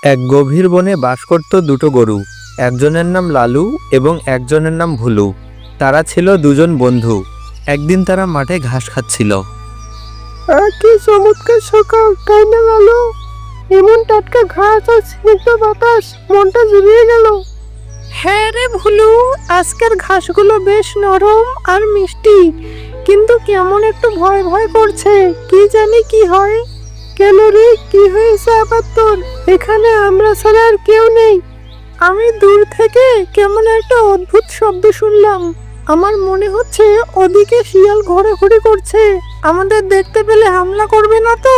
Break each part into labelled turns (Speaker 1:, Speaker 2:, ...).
Speaker 1: এক গভীর বনে বাস করত দুটো গরু। একজনের নাম লালু এবং একজনের নাম ভুলু। তারা ছিল দুজন বন্ধু। একদিন তারা মাঠে ঘাস খাচ্ছিল।
Speaker 2: কি চমৎকার সকাল, তাই না লালু? এমন টাটকা ঘাস আর স্নিগ্ধ বাতাস, মনটা জুড়িয়ে গেল। হ্যাঁ রে ভুলু, আজকের ঘাসগুলো বেশ নরম আর মিষ্টি, কিন্তু কেমন একটু ভয় ভয় করছে। কি জানি কি হয়। কেন রে, কি হয়েছে আবার তোর? এখানে আমরা ছাড়া আর কেউ নেই। আমি দূর থেকে কেমন একটা অদ্ভুত শব্দ শুনলাম। আমার মনে হচ্ছে ওদিকে শিয়াল ঘোরাঘুরি করছে। আমাদের দেখতে পেলে হামলা করবে না তো?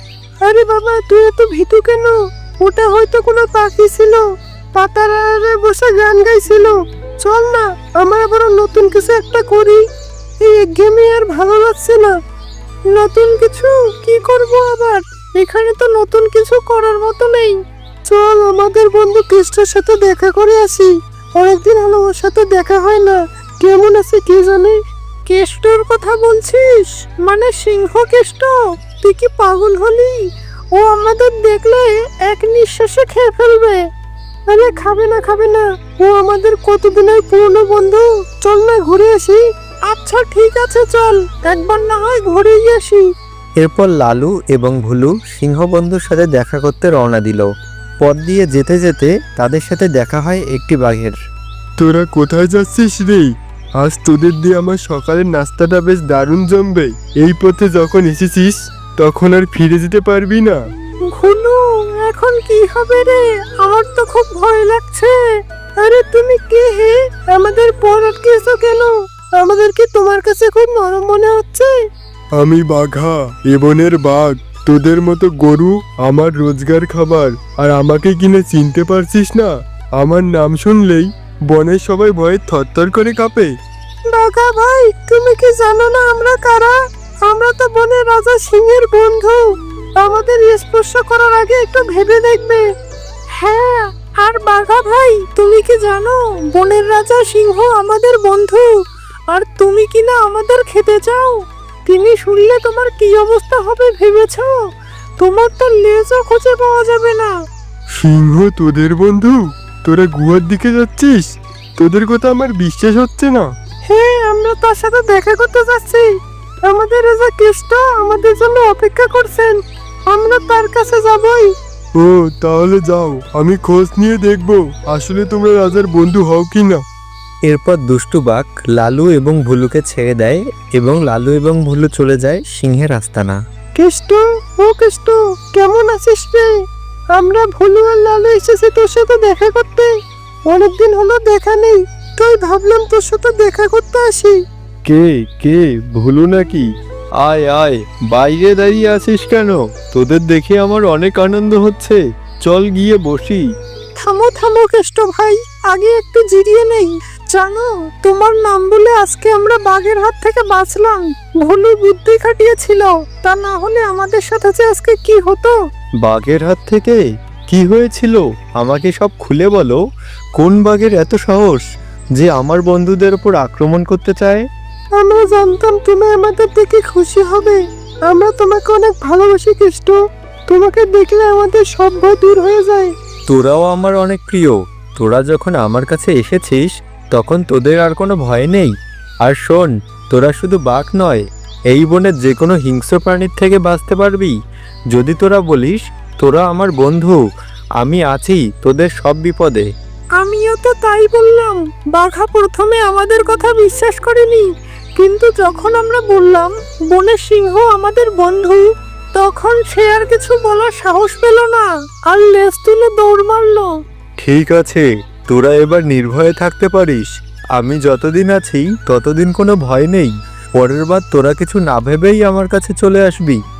Speaker 2: আরে বাবা, তুই এত ভীতু কেন? ওটা হয়তো কোনো পাখি ছিল, পাতার আড়ে বসে গান গাইছিল। চল না, আমরা বরং নতুন কিছু একটা করি। এই একঘেয়েমি আর ভালো লাগছে না। নতুন কিছু কি করব আবার? এখানে তো নতুন কিছু করার মতো নেই। চল আমাদের বন্ধু কেষ্টর সাথে দেখা করে আসি। অনেকদিন হলো ওর সাথে দেখা হয় না। কেমন আছে কে জানে? কেষ্টর কথা বলছিস? মানে সিংহ কেষ্ট? তুই কি পাগল হলি? ও আমাদের দেখলে এক নিঃশ্বাসে খেয়ে ফেলবে। আরে খাবে না খাবে না, ও আমাদের কতদিনের পুরনো বন্ধু। চল না ঘুরে আসি। আচ্ছা ঠিক আছে, চল একবার না হয় ঘুরেই আসি।
Speaker 1: এরপর লালু এবং ভুলু সিংহ বন্ধুর সাথে দেখা করতে রওনা দিল। পথ দিয়ে যেতে যেতে তাদের সাথে দেখা হয় একটি বাঘের।
Speaker 3: তোরা কোথায় যাচ্ছিস রে? আজ তোদের দিয়ে আমার সকালের নাস্তাটা বেশ দারুণ জমবে। এই পথে যখন এসেছিস তখন আর ফিরে যেতে পারবি না।
Speaker 2: ভুলু, এখন কি হবে রে? আমার তো খুব ভয় লাগছে। আরে তুমি কে হে? আমাদের পর আটকেছো কেন? আমাদের কি তোমার কাছে খুব নরম মনে হচ্ছে?
Speaker 3: আমি বাঘা, এ বনের বাঘ। তোদের মতো গরু আমার রোজগার খাবার, আর আমাকে কিনে চিনতে পারছিস না? আমার নাম শুনলেই বনের সবাই ভয়ে থরথর করে কাঁপে।
Speaker 2: বাঘা ভাই, তুমি কি জানো না আমরা কারা? আমরা তো বনের রাজা সিংহের বন্ধু। আমাদের স্পর্শ করার আগে একটু ভেবে দেখবে। হ্যাঁ, আর বাঘা ভাই, তুমি কি জানো বনের রাজা সিংহ আমাদের বন্ধু, আর তুমি কি না আমাদের খেতে চাও? তিনি শুনলে তোমার কি অবস্থা হবে ভেবেছো? তোমার তো লেজও খুঁজে পাওয়া যাবে না।
Speaker 3: সিংহ তোদের বন্ধু? তোরা গুহার দিকে যাচ্ছিস? তোদের কথা আমার বিশ্বাস হচ্ছে না।
Speaker 2: হ্যাঁ, আমরা তার সাথে দেখা করতে যাচ্ছি। আমাদের রাজা কেষ্ট আমাদের জন্য অপেক্ষা করছেন। আমরা তার কাছে যাবই।
Speaker 3: ও তাহলে যাও, আমি খোঁজ নিয়ে দেখব আসলে তোমরা রাজার বন্ধু হও কি না।
Speaker 1: এরপর দুষ্টু বাঘ লালু এবং ভুলুকে ছেড়ে দেয় এবং লালু এবং ভুলু চলে যায় সিংহের আস্তানা।
Speaker 2: কেষ্ট, ও কেষ্ট, কেমন আছিস রে? আমরা ভুলু আর লালু এসেছি তোর সাথে দেখা করতে। অনেকদিন হলো দেখা নেই, তাই ভাবলাম তোর সাথে দেখা করতে আসি।
Speaker 3: কে কে ভুলু নাকি? আয় আয়, বাইরে দাঁড়িয়ে আছিস কেন? তোদের দেখে আমার অনেক আনন্দ হচ্ছে। চল গিয়ে বসি।
Speaker 2: থামো থামো কেষ্ট ভাই, আগে একটু জিরিয়ে নেই। জানো, তোমার নাম বলে আজকে আমরা বাঘের হাত থেকে বাঁচলাম। ভুলু বুদ্ধি খাটিয়েছিল, তা না হলে আমাদের সাথে যে আজকে কি হতো।
Speaker 3: বাঘের হাত থেকে কি হয়েছিল? আমাকে সব খুলে বলো। কোন বাঘের এত সাহস যে আমার বন্ধুদের উপর আক্রমণ করতে চায়?
Speaker 2: আমরা জানতাম তুমি আমাদের দেখে খুশি হবে। আমরা তোমাকে অনেক ভালোবাসি কেষ্ট। তোমাকে দেখলে আমাদের সব ভয় দূর হয়ে যায়।
Speaker 1: তোরাও আমার অনেক প্রিয়। তোরা যখন আমার কাছে এসেছিস তখন তোদের আর কোনো ভয় নেই। আর শোন, তোরা শুধু বাঘ নয়, এই বনের যে কোনো হিংস্র প্রাণীর থেকে বাঁচতে পারবি যদি তোরা বলিস তোরা আমার বন্ধু। আমি আছি তোদের সব বিপদে।
Speaker 2: আমিও তো তাই বললাম। বাঘা প্রথমে আমাদের কথা বিশ্বাস করেনি, কিন্তু যখন আমরা বললাম বনের সিংহ আমাদের বন্ধু, তখন সে আর কিছু বলার সাহস পেল না, আর লেজ তুলে দৌড় মারলো।
Speaker 1: ঠিক আছে, তোরা এবার নির্ভয়ে থাকতে পারিস। আমি যতদিন আছি ততদিন কোনো ভয় নেই। পরের বার তোরা কিছু না ভেবেই আমার কাছে চলে আসবি।